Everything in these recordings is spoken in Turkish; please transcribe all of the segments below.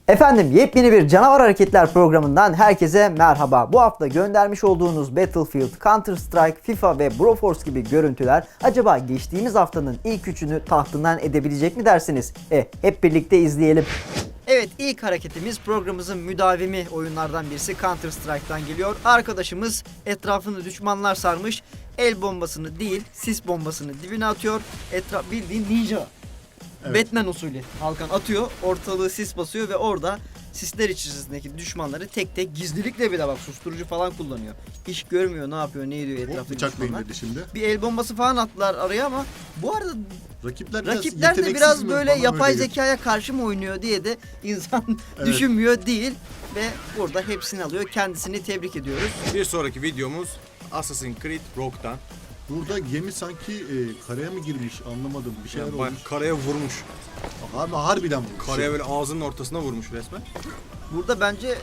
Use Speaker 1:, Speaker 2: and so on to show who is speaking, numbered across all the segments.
Speaker 1: Efendim yepyeni bir Canavar Hareketler programından herkese merhaba. Bu hafta göndermiş olduğunuz Battlefield, Counter Strike, FIFA ve Broforce gibi görüntüler acaba geçtiğimiz haftanın ilk üçünü tahtından edebilecek mi dersiniz? Hep birlikte izleyelim. Evet, ilk hareketimiz programımızın müdavimi oyunlardan birisi Counter Strike'tan geliyor. Arkadaşımız etrafını düşmanlar sarmış. El bombasını değil, sis bombasını dibine atıyor. Bildiğin ninja. Evet. Batman usulü Halkan atıyor, ortalığı sis basıyor ve orada sisler içerisindeki düşmanları tek tek gizlilikle bile bak susturucu falan kullanıyor. Hiç görmüyor ne yapıyor, ne ediyor etraftaki düşmanlar.
Speaker 2: Şimdi.
Speaker 1: Bir el bombası falan attılar araya ama bu arada
Speaker 2: rakipler
Speaker 1: de biraz böyle yapay zekaya karşı mı oynuyor diye de insan düşünmüyor değil ve burada hepsini alıyor. Kendisini tebrik ediyoruz.
Speaker 3: Bir sonraki videomuz Assassin's Creed Rogue'dan.
Speaker 2: Burada gemi sanki karaya mı girmiş anlamadım bir şeyler
Speaker 3: Yani
Speaker 2: olmuş.
Speaker 3: karaya vurmuş.
Speaker 2: Abi harbiden vurmuş.
Speaker 3: Karaya böyle ağzının ortasına vurmuş resmen.
Speaker 1: Burada bence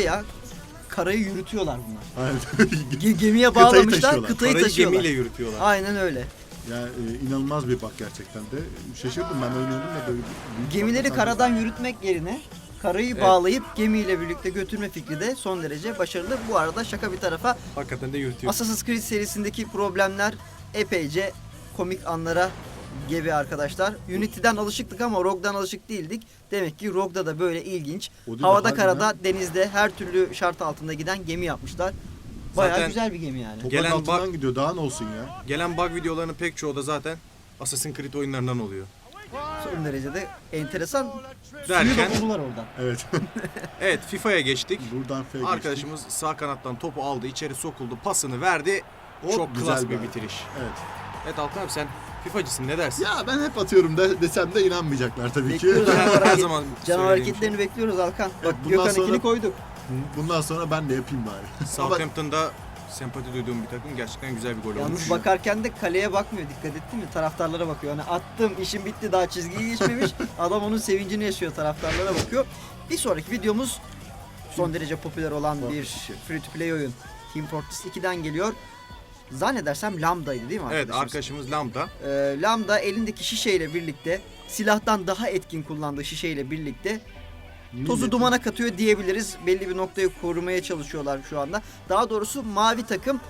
Speaker 1: karayı yürütüyorlar bunlar.
Speaker 2: Aynen.
Speaker 1: Gemiye bağlamışlar, kıtayı
Speaker 3: Karayı
Speaker 1: taşıyorlar.
Speaker 3: gemiyle yürütüyorlar.
Speaker 1: Aynen öyle.
Speaker 2: Yani inanılmaz bir bak gerçekten de. Şaşırdım ben oynuyordum da böyle.
Speaker 1: Gemileri karadan yürütmek yerine karayı bağlayıp gemiyle birlikte götürme fikri de son derece başarılı. Bu arada şaka bir tarafa,
Speaker 3: Hakikaten de yürütüyor.
Speaker 1: Assassin's Creed serisindeki problemler epeyce komik anlara gebe arkadaşlar. Unity'den alışıktık ama Rogue'dan alışık değildik. Demek ki Rogue'da da böyle ilginç, havada, karada, denizde her türlü şart altında giden gemi yapmışlar. Bayağı
Speaker 3: Zaten
Speaker 1: güzel bir gemi yani.
Speaker 2: Toprak
Speaker 3: Gelen
Speaker 2: altından gidiyor daha ne olsun ya.
Speaker 3: Gelen bug videolarının pek çoğu da zaten Assassin's Creed oyunlarından oluyor.
Speaker 1: Son derece de enteresan.
Speaker 3: Derken-
Speaker 1: Suyu da bulurlar oradan.
Speaker 2: Evet.
Speaker 3: Evet, FIFA'ya geçtik.
Speaker 2: Buradan F'ye
Speaker 3: Arkadaşımız sağ kanattan topu aldı, içeri sokuldu, pasını verdi.
Speaker 2: Hop,
Speaker 3: Çok
Speaker 2: güzel
Speaker 3: klas bir
Speaker 2: bir-
Speaker 3: bitiriş.
Speaker 2: Evet.
Speaker 3: Evet Halkan abi, sen FIFA'cısın, ne dersin?
Speaker 2: Ya ben hep atıyorum desem de inanmayacaklar tabii ki.
Speaker 1: Bekliyoruz
Speaker 3: Her zaman
Speaker 1: canavar
Speaker 3: söylediğim
Speaker 1: hareketlerini bekliyoruz Alkan.
Speaker 2: Evet,
Speaker 1: Bak
Speaker 2: bundan
Speaker 1: Gökhan
Speaker 2: sonra-
Speaker 1: ikini koyduk.
Speaker 2: Bundan sonra ben de yapayım bari.
Speaker 3: Southampton'da sempati duyduğum bir takım, gerçekten güzel bir gol olmuş.
Speaker 1: Yalnız bakarken de kaleye bakmıyor, dikkat ettin mi? Taraftarlara bakıyor. Hani attım, işim bitti, daha çizgiyi geçmemiş. Adam onun sevincini yaşıyor, taraftarlara bakıyor. Bir sonraki videomuz son derece popüler olan bir free to play oyun. Team Fortress 2'den geliyor. Zannedersem Lambda'ydı değil mi
Speaker 3: Evet,
Speaker 1: arkadaşımız?
Speaker 3: arkadaşımız Lambda.
Speaker 1: Lambda elindeki şişeyle birlikte, silahtan daha etkin kullandığı şişeyle birlikte tozu dumana katıyor diyebiliriz. Belli bir noktayı korumaya çalışıyorlar şu anda. Daha doğrusu mavi takım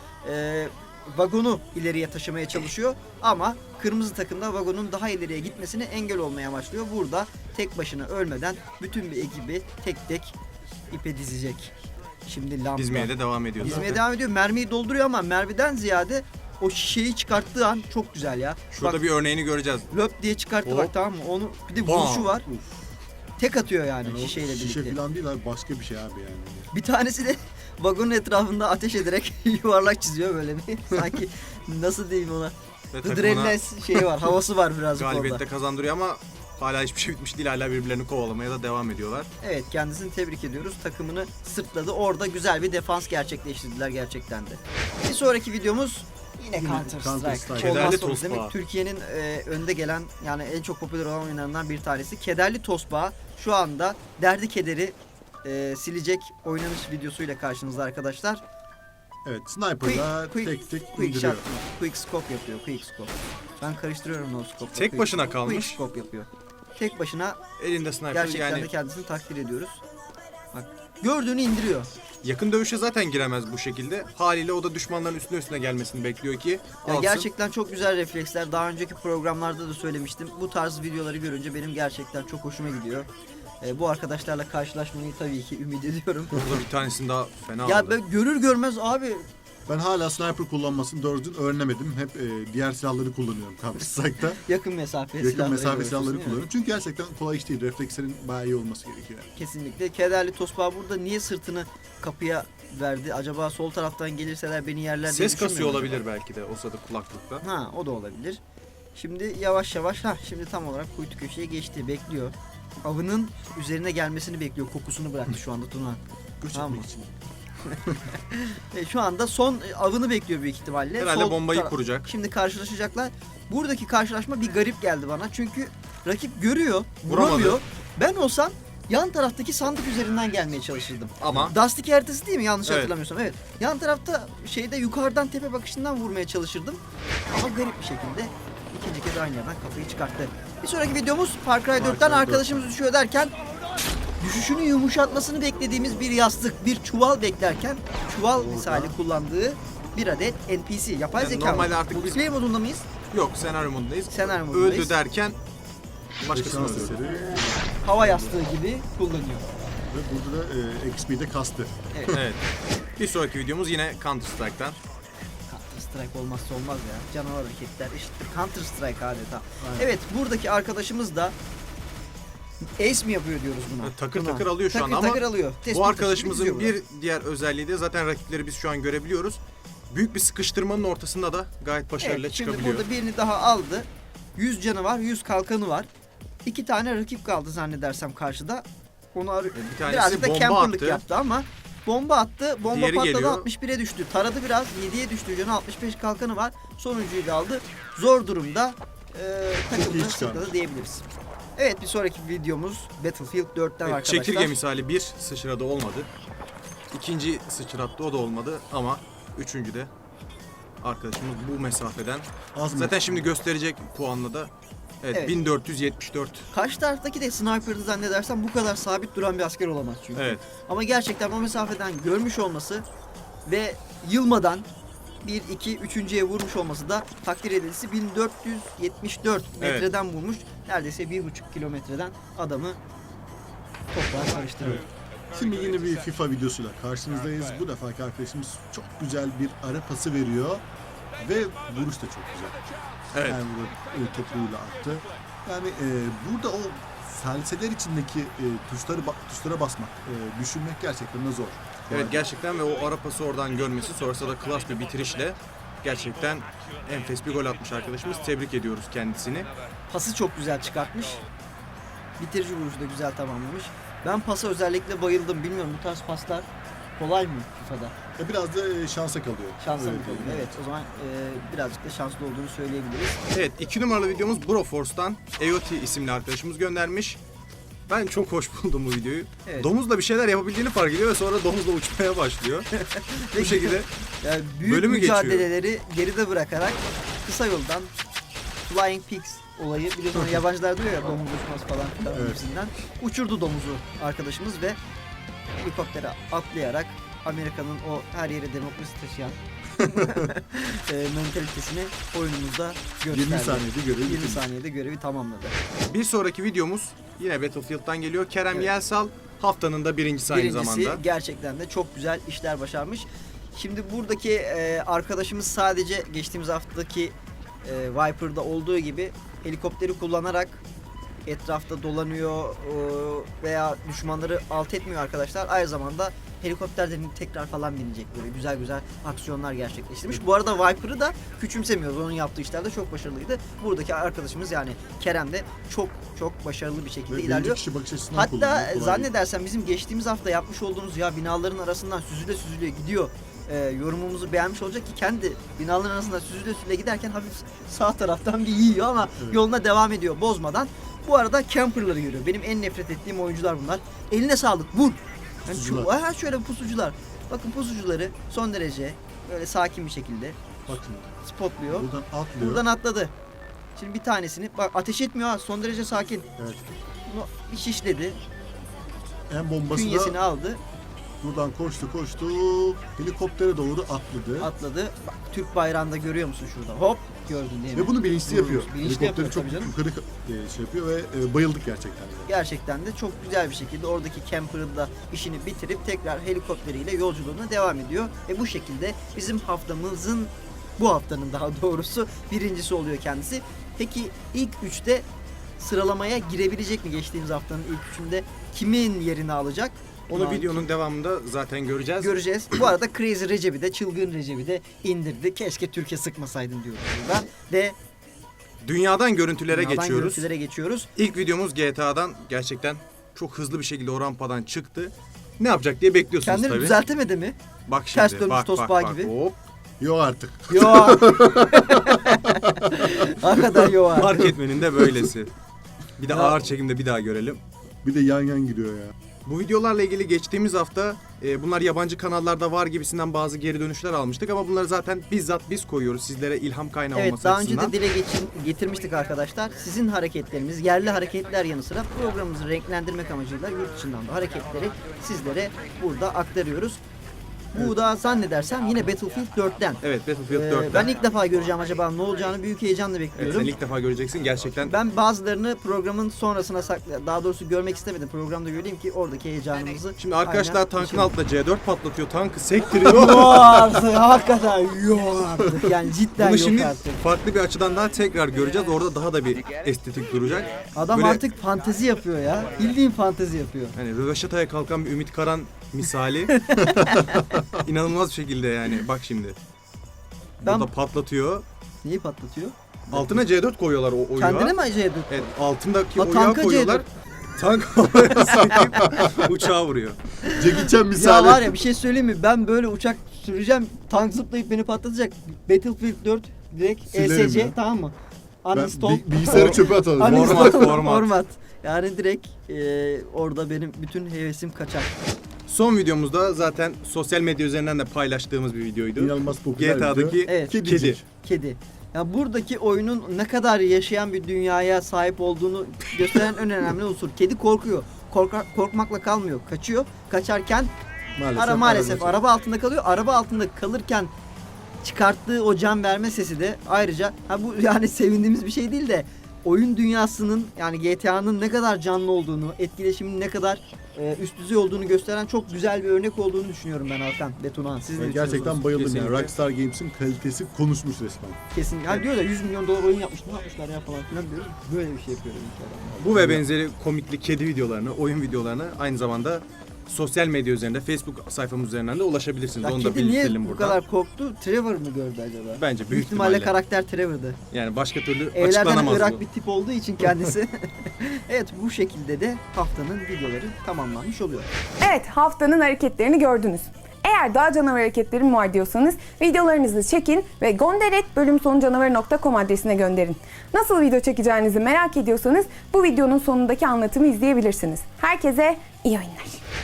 Speaker 1: vagonu ileriye taşımaya çalışıyor. Ama kırmızı takım da vagonun daha ileriye gitmesine engel olmaya başlıyor. Burada tek başına ölmeden bütün bir ekibi tek tek ipe dizecek. Şimdi Lambda
Speaker 3: Dizmeye de devam ediyor
Speaker 1: dizmeye
Speaker 3: zaten.
Speaker 1: devam ediyor. Mermiyi dolduruyor ama mermiden ziyade o şişeyi çıkarttığı an çok güzel ya.
Speaker 3: Şurada
Speaker 1: Bak,
Speaker 3: bir örneğini göreceğiz.
Speaker 1: löp diye çıkarttı
Speaker 3: Hop.
Speaker 1: bak, tamam mı? Onu bir de
Speaker 3: Bam.
Speaker 1: vuruşu var. Tek atıyor yani
Speaker 2: Yani o
Speaker 1: şişeyle
Speaker 2: şişe
Speaker 1: birlikte.
Speaker 2: falan değil abi başka bir şey abi yani.
Speaker 1: Bir tanesi de vagonun etrafında ateş ederek yuvarlak çiziyor böyle bir. Sanki nasıl diyeyim ona.
Speaker 3: Ve
Speaker 1: The
Speaker 3: takımına
Speaker 1: Dreadness şeyi var, havası var birazcık
Speaker 3: galibiyette
Speaker 1: orada.
Speaker 3: kazandırıyor ama hala hiçbir şey bitmiş değil. Hala birbirlerini kovalamaya da devam ediyorlar.
Speaker 1: Evet, kendisini tebrik ediyoruz. Takımını sırtladı. Orada güzel bir defans gerçekleştirdiler gerçekten de. Bir sonraki videomuz yine Counter
Speaker 2: Counter
Speaker 1: Strike.
Speaker 2: Strike.
Speaker 1: Olmazsa
Speaker 3: Kederli
Speaker 1: olmaz.
Speaker 3: Tosbağa.
Speaker 1: Demek Türkiye'nin önde gelen, yani en çok popüler olan oyunlarından bir tanesi. Kederli Tosbağa şu anda derdi kederi silecek oynanış videosuyla karşınızda arkadaşlar.
Speaker 2: Evet sniper'la tek tek indiriyor.
Speaker 1: Quick scope yapıyor, quick scope. Ben karıştırıyorum no scope.
Speaker 3: Tek başına kalmış.
Speaker 1: Quick scope yapıyor. Tek başına
Speaker 3: Elinde sniper,
Speaker 1: gerçekten
Speaker 3: yani
Speaker 1: de kendisini takdir ediyoruz. Bak, gördüğünü indiriyor.
Speaker 3: yakın dövüşe zaten giremez bu şekilde. Haliyle o da düşmanların üstüne gelmesini bekliyor ki
Speaker 1: Ya
Speaker 3: alsın.
Speaker 1: gerçekten çok güzel refleksler. Daha önceki programlarda da söylemiştim. Bu tarz videoları görünce benim gerçekten çok hoşuma gidiyor. Bu arkadaşlarla karşılaşmayı tabii ki ümit ediyorum.
Speaker 3: Burada bir tanesini daha fena
Speaker 1: Ya
Speaker 3: aldı.
Speaker 1: ben görür görmez abi,
Speaker 2: Ben hala sniper kullanmasını doğru düzgün öğrenemedim. Hep diğer silahları kullanıyorum Counter Strike'da.
Speaker 1: yakın mesafe
Speaker 2: Yakın
Speaker 1: silahları
Speaker 2: mesafe
Speaker 1: yapıyorsun,
Speaker 2: silahları
Speaker 1: değil mi?
Speaker 2: kullanıyorum. Çünkü gerçekten kolay iş değil. Reflekslerin bayağı iyi olması gerekiyor. Yani.
Speaker 1: Kesinlikle. Kederli Tosbağa burada niye sırtını kapıya verdi? Acaba sol taraftan gelirseler beni yerler diye
Speaker 3: Ses kasıyor
Speaker 1: düşünmüyor mu
Speaker 3: olabilir
Speaker 1: acaba?
Speaker 3: belki de o sırada kulaklıkta.
Speaker 1: Ha, o da olabilir. Şimdi yavaş yavaş, şimdi tam olarak kuytu köşeye geçti, bekliyor. Avının üzerine gelmesini bekliyor. Kokusunu bıraktı şu anda Tuna.
Speaker 2: Göç
Speaker 1: Tamam
Speaker 2: etmek
Speaker 1: mı?
Speaker 2: için.
Speaker 1: Şu anda son avını bekliyor büyük ihtimalle.
Speaker 3: Herhalde
Speaker 1: Sol
Speaker 3: bombayı
Speaker 1: taraf-
Speaker 3: kuracak.
Speaker 1: Şimdi karşılaşacaklar. Buradaki karşılaşma bir garip geldi bana. Çünkü rakip görüyor,
Speaker 3: Vuramadı.
Speaker 1: vuramıyor. Ben olsam yan taraftaki sandık üzerinden gelmeye çalışırdım.
Speaker 3: Ama
Speaker 1: Dust 2 haritası değil mi? Yanlış
Speaker 3: Evet.
Speaker 1: hatırlamıyorsam. Evet. Yan tarafta yukarıdan tepe bakışından vurmaya çalışırdım. Ama garip bir şekilde ikinci kez aynı yerden kafayı çıkarttı. Bir sonraki videomuz Far Cry 4'ten
Speaker 2: Cry 4.
Speaker 1: arkadaşımız düşüyor derken düşüşünü yumuşatmasını beklediğimiz bir yastık, bir çuval beklerken çuval misali kullandığı bir adet NPC, yapay
Speaker 3: Yani
Speaker 1: zeka.
Speaker 3: normalde artık biz-
Speaker 1: multiplayer modunda mıyız?
Speaker 3: Yok, senaryo modundayız.
Speaker 1: Senaryo modundayız.
Speaker 3: Öldü derken başkasını
Speaker 2: Şans
Speaker 3: öldürdü.
Speaker 2: eseri.
Speaker 1: Hava yastığı gibi kullanıyor.
Speaker 2: Ve burada da XP'de kastı.
Speaker 3: Evet. Bir sonraki videomuz yine Counter Strike'tan.
Speaker 1: Counter Strike olmazsa olmaz ya. Canavar hareketler eşittir Counter Strike adeta. Evet, buradaki arkadaşımız da ace mi yapıyor diyoruz buna?
Speaker 3: Takır
Speaker 1: Buna.
Speaker 3: takır alıyor şu an
Speaker 1: Takır
Speaker 3: ama
Speaker 1: takır alıyor. Tespih
Speaker 3: bu arkadaşımızın
Speaker 1: taşı gibi
Speaker 3: bir diğer özelliği de zaten rakipleri biz şu an görebiliyoruz. Büyük bir sıkıştırmanın ortasında da gayet başarılı
Speaker 1: evet, şimdi
Speaker 3: çıkabiliyor.
Speaker 1: burada birini daha aldı. 100 canı var, 100 kalkanı var. 2 tane rakip kaldı zannedersem karşıda. Onu arıyor.
Speaker 3: Bir tanesi
Speaker 1: Birazcık da
Speaker 3: bomba
Speaker 1: camperlık
Speaker 3: attı.
Speaker 1: yaptı ama bomba attı. Bomba
Speaker 3: Diğeri
Speaker 1: patladı,
Speaker 3: geliyor.
Speaker 1: 61'e düştü. Taradı biraz, 7'ye düştü. Canı 65 kalkanı var. Sonuncuyu da aldı. Zor durumda takımını
Speaker 2: iyi çıkarmış.
Speaker 1: sırtladı diyebiliriz. Evet, bir sonraki videomuz Battlefield 4'ten
Speaker 3: Evet,
Speaker 1: arkadaşlar.
Speaker 3: çekirge misali bir sıçradı, olmadı. İkinci sıçrattı, o da olmadı ama üçüncü de arkadaşımız bu mesafeden.
Speaker 2: Az mı?
Speaker 3: Zaten şimdi gösterecek puanla da evet,
Speaker 1: Evet.
Speaker 3: 1474.
Speaker 1: Karşı taraftaki de sniper'dı zannedersem bu kadar sabit duran bir asker olamaz çünkü.
Speaker 3: Evet.
Speaker 1: Ama gerçekten o mesafeden görmüş olması ve yılmadan 1, 2, 3.'ye vurmuş olması da takdir edilisi. 1474 metreden vurmuş. Neredeyse 1,5 kilometreden adamı toprağa karıştırıyor.
Speaker 2: Şimdi yine bir FIFA videosuyla karşınızdayız. Bu defaki arkadaşımız çok güzel bir ara pası veriyor. Ve vuruş da çok güzel.
Speaker 3: Evet.
Speaker 2: Yani burada topuğuyla attı. Yani burada o salseler içindeki tuşlara basmak, düşünmek gerçekten de zor.
Speaker 3: Evet, gerçekten ve o ara pası oradan görmesi, sonrasında da klas bir bitirişle gerçekten enfes bir gol atmış arkadaşımız. Tebrik ediyoruz kendisini.
Speaker 1: Pası çok güzel çıkartmış. Bitirici vuruşu da güzel tamamlamış. Ben pasa özellikle bayıldım. Bilmiyorum, bu tarz paslar kolay mı FIFA'da?
Speaker 2: Biraz da şansa kalıyor.
Speaker 1: Şansa mı
Speaker 2: Öyle
Speaker 1: kalıyor?
Speaker 2: diyeyim.
Speaker 1: Evet, o zaman birazcık da şanslı olduğunu söyleyebiliriz.
Speaker 3: Evet, 2 numaralı videomuz Broforce'dan EOT isimli arkadaşımız göndermiş. Ben çok hoş buldum bu videoyu.
Speaker 1: Evet.
Speaker 3: Domuzla bir şeyler yapabildiğini fark ediyor ve sonra domuzla uçmaya başlıyor. Bu şekilde
Speaker 1: Yani büyük
Speaker 3: Bölümü geçiyor.
Speaker 1: mücadeleleri geride bırakarak kısa yoldan Flying Pigs olayı, biliyorsun hani yabancılar diyor ya domuz uçmaz falan filan
Speaker 2: Evet.
Speaker 1: gibisinden. Uçurdu domuzu arkadaşımız ve helikoptere atlayarak Amerika'nın o her yere demokrasi taşıyan mentalitesini oyunumuzda gösterdi.
Speaker 2: 20 saniyede görevi
Speaker 1: 20
Speaker 2: bitirdi.
Speaker 1: saniyede görevi tamamladı.
Speaker 3: bir sonraki videomuz yine Battlefield'dan geliyor. Kerem
Speaker 1: Evet.
Speaker 3: Yelsal haftanın da birincisi aynı
Speaker 1: Birincisi
Speaker 3: zamanda.
Speaker 1: gerçekten de çok güzel işler başarmış. Şimdi buradaki arkadaşımız sadece geçtiğimiz haftaki Viper'da olduğu gibi helikopteri kullanarak etrafta dolanıyor veya düşmanları alt etmiyor arkadaşlar. Aynı zamanda helikopterden tekrar falan binecek, böyle güzel güzel aksiyonlar gerçekleştirmiş. Bu arada Viper'ı da küçümsemiyoruz. Onun yaptığı işler de çok başarılıydı. Buradaki arkadaşımız yani Kerem de çok çok başarılı bir şekilde
Speaker 2: Ve
Speaker 1: ilerliyor.
Speaker 2: birinci kişi bakış açısından kullanıyor.
Speaker 1: Hatta
Speaker 2: Kolay değil.
Speaker 1: zannedersem bizim geçtiğimiz hafta yapmış olduğumuz ya binaların arasından süzüle süzüle gidiyor yorumumuzu beğenmiş olacak ki kendi binaların arasında süzüle süzüle giderken hafif sağ taraftan bir yiyor ama
Speaker 2: Evet.
Speaker 1: yoluna devam ediyor bozmadan. Bu arada camperları görüyor. Benim en nefret ettiğim oyuncular bunlar. Eline sağlık, vur. Yani
Speaker 2: Pusucular.
Speaker 1: şöyle pusucular. Bakın pusucuları son derece böyle sakin bir şekilde
Speaker 2: Bak şimdi.
Speaker 1: spotluyor.
Speaker 2: Buradan atlıyor.
Speaker 1: Buradan atladı. Şimdi bir tanesini bak ateş etmiyor ha, son derece sakin.
Speaker 2: Evet.
Speaker 1: Bunu bir şişledi.
Speaker 2: En bombası
Speaker 1: Künyesini
Speaker 2: da
Speaker 1: aldı.
Speaker 2: buradan koştu. Helikoptere doğru atladı.
Speaker 1: Atladı. Bak Türk bayrağını da görüyor musun şurada? Hop, gördün değil mi?
Speaker 2: Ve bunu bilinçli yapıyor.
Speaker 1: Bilinçli
Speaker 2: Helikopteri
Speaker 1: yapıyor
Speaker 2: çok
Speaker 1: tabii canım.
Speaker 2: yukarı şey yapıyor ve bayıldık gerçekten. de.
Speaker 1: Gerçekten de çok güzel bir şekilde oradaki camper'ın da işini bitirip tekrar helikopteriyle yolculuğuna devam ediyor. Ve bu şekilde bizim haftamızın, bu haftanın daha doğrusu birincisi oluyor kendisi. Peki ilk 3'te sıralamaya girebilecek mi? Geçtiğimiz haftanın ilk 3'ünde kimin yerini alacak?
Speaker 3: Onu videonun devamında zaten göreceğiz.
Speaker 1: göreceğiz. Bu arada Crazy Recep'i de, çılgın Recep'i de indirdi. Keşke Türkiye sıkmasaydın diyoruz burada. Ve
Speaker 3: Dünyadan görüntülere
Speaker 1: dünyadan
Speaker 3: geçiyoruz.
Speaker 1: görüntülere geçiyoruz.
Speaker 3: İlk videomuz GTA'dan gerçekten çok hızlı bir şekilde o rampadan çıktı. Ne yapacak diye bekliyorsunuz
Speaker 1: Kendini
Speaker 3: tabii.
Speaker 1: düzeltemedi mi?
Speaker 3: Bak şimdi.
Speaker 1: Ters dönmüş
Speaker 3: bak,
Speaker 1: tosbağa
Speaker 3: bak,
Speaker 1: gibi.
Speaker 3: Hop.
Speaker 2: Yok artık.
Speaker 1: Yo. Hakikaten yo.
Speaker 3: Fark etmenin de böylesi. Bir de
Speaker 1: Ya.
Speaker 3: ağır çekimde bir daha görelim.
Speaker 2: Bir de yan giriyor ya.
Speaker 3: Bu videolarla ilgili geçtiğimiz hafta bunlar yabancı kanallarda var gibisinden bazı geri dönüşler almıştık ama bunları zaten bizzat biz koyuyoruz sizlere ilham kaynağı
Speaker 1: Evet,
Speaker 3: olması
Speaker 1: daha
Speaker 3: açısından.
Speaker 1: önce de dile getirmiştik arkadaşlar. Sizin hareketlerimiz, yerli hareketler yanı sıra programımızı renklendirmek amacıyla yurt dışından da hareketleri sizlere burada aktarıyoruz. Bu da zannedersem yine Battlefield 4'ten.
Speaker 3: Evet, Battlefield 4'ten.
Speaker 1: Ben ilk defa göreceğim, acaba ne olacağını büyük heyecanla
Speaker 3: Evet,
Speaker 1: bekliyorum.
Speaker 3: sen ilk defa göreceksin gerçekten.
Speaker 1: Ben bazılarını programın sonrasına daha doğrusu görmek istemedim. Programda göreyim ki oradaki heyecanımızı.
Speaker 3: Şimdi arkadaşlar
Speaker 1: aynen
Speaker 3: tankın
Speaker 1: yaşayalım.
Speaker 3: altında C4 patlatıyor, tankı sektiriyor.
Speaker 1: Yok artık, hakikaten yok artık. Yani cidden
Speaker 3: Bunu
Speaker 1: yok
Speaker 3: şimdi
Speaker 1: artık.
Speaker 3: farklı bir açıdan daha tekrar göreceğiz. Orada daha da bir estetik duracak.
Speaker 1: Adam
Speaker 3: Böyle
Speaker 1: artık fantezi yapıyor ya. Bildiğin fantezi yapıyor.
Speaker 3: hani röveşataya kalkan bir Ümit Karan misali. İnanılmaz bir şekilde yani. Bak şimdi.
Speaker 1: Ben-
Speaker 3: Burada patlatıyor.
Speaker 1: Neyi patlatıyor?
Speaker 3: Altına C4 koyuyorlar o oyağı.
Speaker 1: Kendine mi acı edin?
Speaker 3: Evet, altındaki
Speaker 1: Ha,
Speaker 3: oyağı
Speaker 1: tanka
Speaker 3: koyuyorlar. Tank havaya sekip uçağa vuruyor.
Speaker 2: Jackie Chan
Speaker 1: Ya
Speaker 2: misali.
Speaker 1: var ya, bir şey söyleyeyim mi? Ben böyle uçak süreceğim. Tank zıplayıp beni patlatacak. Battlefield 4 direkt
Speaker 2: Silerim
Speaker 1: ESC,
Speaker 2: ya.
Speaker 1: tamam mı?
Speaker 2: Ben
Speaker 1: Uninstall.
Speaker 2: bilgisayarı çöpe atalım.
Speaker 3: Format, format.
Speaker 1: Format. Yani direkt orada benim bütün hevesim kaçar.
Speaker 3: Son videomuzda zaten sosyal medya üzerinden de paylaştığımız bir videoydu.
Speaker 2: İnanılmaz popüler
Speaker 3: GTA'daki
Speaker 2: video.
Speaker 1: Evet.
Speaker 3: kedi.
Speaker 1: Kedi. Ya buradaki oyunun ne kadar yaşayan bir dünyaya sahip olduğunu gösteren en önemli unsur. Kedi korkuyor. Korkmakla kalmıyor. Kaçıyor. Kaçarken maalesef araba altında kalıyor. Araba altında kalırken çıkarttığı o can verme sesi de ayrıca, ha bu yani sevindiğimiz bir şey değil de oyun dünyasının, yani GTA'nın ne kadar canlı olduğunu, etkileşimin ne kadar üst düzey olduğunu gösteren çok güzel bir örnek olduğunu düşünüyorum ben Hakan ve Tunahan. Siz ne düşünüyorsunuz?
Speaker 2: Gerçekten bayıldım yani.
Speaker 3: Kesinlikle.
Speaker 2: Rockstar Games'in kalitesi konuşmuş resmen.
Speaker 1: Kesin. Yani diyor ya 100 milyon dolar oyun yapmış, ne yapmışlar ya falan filan diyoruz. Böyle bir şey yapıyor demek ki adam.
Speaker 3: Bu ve benzeri komikli kedi videolarını, oyun videolarını aynı zamanda sosyal medya üzerinde, Facebook sayfamız üzerinden de ulaşabilirsiniz.
Speaker 1: Ya
Speaker 3: Onu da
Speaker 1: kedi niye
Speaker 3: belirtelim
Speaker 1: bu
Speaker 3: burada.
Speaker 1: kadar korktu? Trevor mı gördü acaba?
Speaker 3: Bence
Speaker 1: Büyük ihtimalle karakter Trevor'dı.
Speaker 3: Yani başka türlü
Speaker 1: Evlerden
Speaker 3: açıklanamaz
Speaker 1: Irak
Speaker 3: bu.
Speaker 1: bir tip olduğu için kendisi. Evet, bu şekilde de haftanın videoları tamamlanmış oluyor.
Speaker 4: Evet, haftanın hareketlerini gördünüz. Eğer daha canavar hareketlerim var diyorsanız videolarınızı çekin ve gonderet@bölümsonucanavarı.com adresine gönderin. Nasıl video çekeceğinizi merak ediyorsanız bu videonun sonundaki anlatımı izleyebilirsiniz. Herkese iyi oyunlar.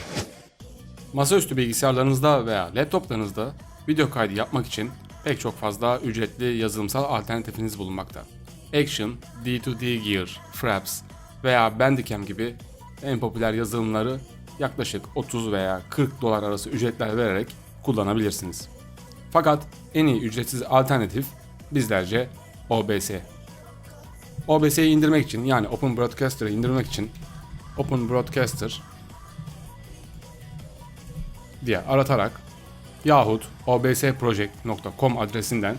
Speaker 5: Masaüstü bilgisayarlarınızda veya laptoplarınızda video kaydı yapmak için pek çok fazla ücretli yazılımsal alternatifiniz bulunmakta. Action, D2D Gear, Fraps veya Bandicam gibi en popüler yazılımları yaklaşık 30 veya 40 dolar arası ücretler vererek kullanabilirsiniz. Fakat en iyi ücretsiz alternatif bizlerce OBS. OBS'yi indirmek için, yani Open Broadcaster'ı indirmek için Open Broadcaster diye aratarak yahut obsproject.com adresinden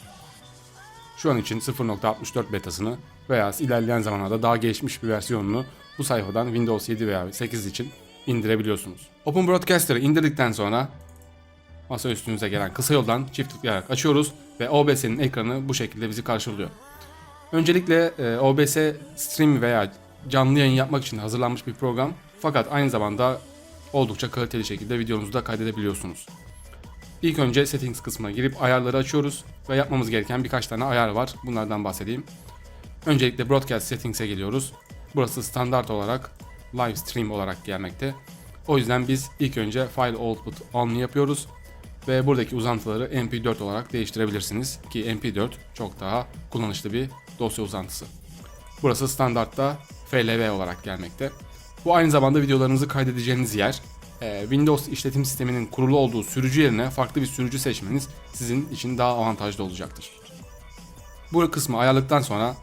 Speaker 5: şu an için 0.64 betasını veya ilerleyen zamanlarda daha gelişmiş bir versiyonunu bu sayfadan Windows 7 veya 8 için indirebiliyorsunuz. Open Broadcaster'ı indirdikten sonra masa üstünüze gelen kısa yoldan çift tıklayarak açıyoruz ve OBS'nin ekranı bu şekilde bizi karşılıyor. Öncelikle OBS stream veya canlı yayın yapmak için hazırlanmış bir program, fakat aynı zamanda oldukça kaliteli şekilde videonuzu da kaydedebiliyorsunuz. İlk önce settings kısmına girip ayarları açıyoruz ve yapmamız gereken birkaç tane ayar var. Bunlardan bahsedeyim. Öncelikle broadcast settings'e geliyoruz. Burası standart olarak live stream olarak gelmekte. O yüzden biz ilk önce file output only yapıyoruz ve buradaki uzantıları mp4 olarak değiştirebilirsiniz ki mp4 çok daha kullanışlı bir dosya uzantısı. Burası standartta FLV olarak gelmekte. Bu aynı zamanda videolarınızı kaydedeceğiniz yer. Windows işletim sisteminin kurulu olduğu sürücü yerine farklı bir sürücü seçmeniz sizin için daha avantajlı olacaktır. Bu kısmı ayarladıktan sonra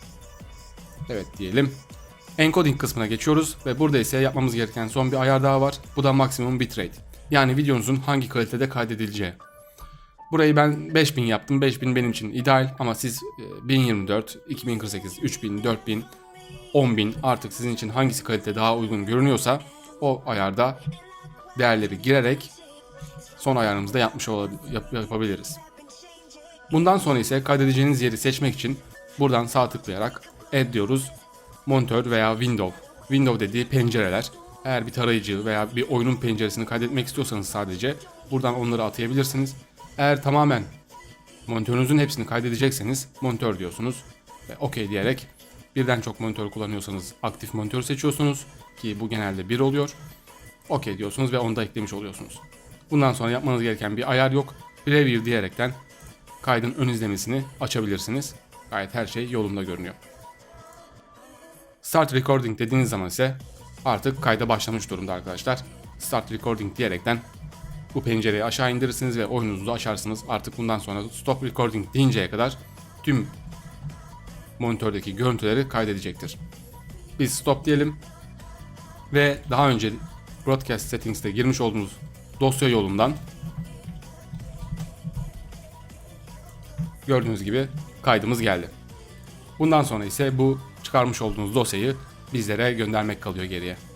Speaker 5: evet diyelim. Encoding kısmına geçiyoruz ve burada ise yapmamız gereken son bir ayar daha var. Bu da maksimum bitrate. Yani videonuzun hangi kalitede kaydedileceği. Burayı ben 5000 yaptım. 5000 benim için ideal ama siz 1024, 2048, 3000, 4000, 10.000 artık sizin için hangisi kalite daha uygun görünüyorsa o ayarda değerleri girerek son ayarımızda yapabiliriz. Bundan sonra ise kaydedeceğiniz yeri seçmek için buradan sağ tıklayarak add diyoruz. Monitör veya window. Window dediği pencereler. Eğer bir tarayıcı veya bir oyunun penceresini kaydetmek istiyorsanız sadece buradan onları atayabilirsiniz. Eğer tamamen monitörünüzün hepsini kaydedecekseniz monitör diyorsunuz ve OK diyerek birden çok monitör kullanıyorsanız aktif monitör seçiyorsunuz ki bu genelde 1 oluyor. OK diyorsunuz ve onu da eklemiş oluyorsunuz. Bundan sonra yapmanız gereken bir ayar yok. Preview diyerekten kaydın ön izlemesini açabilirsiniz. Gayet her şey yolunda görünüyor. Start Recording dediğiniz zaman ise artık kayda başlamış durumda arkadaşlar. Start Recording diyerekten bu pencereyi aşağı indirirsiniz ve oyununuzu açarsınız. Artık bundan sonra Stop Recording deyinceye kadar tüm monitördeki görüntüleri kaydedecektir. Biz stop diyelim ve daha önce Broadcast Settings'te girmiş olduğumuz dosya yolundan gördüğünüz gibi kaydımız geldi. Bundan sonra ise bu çıkarmış olduğunuz dosyayı bizlere göndermek kalıyor geriye.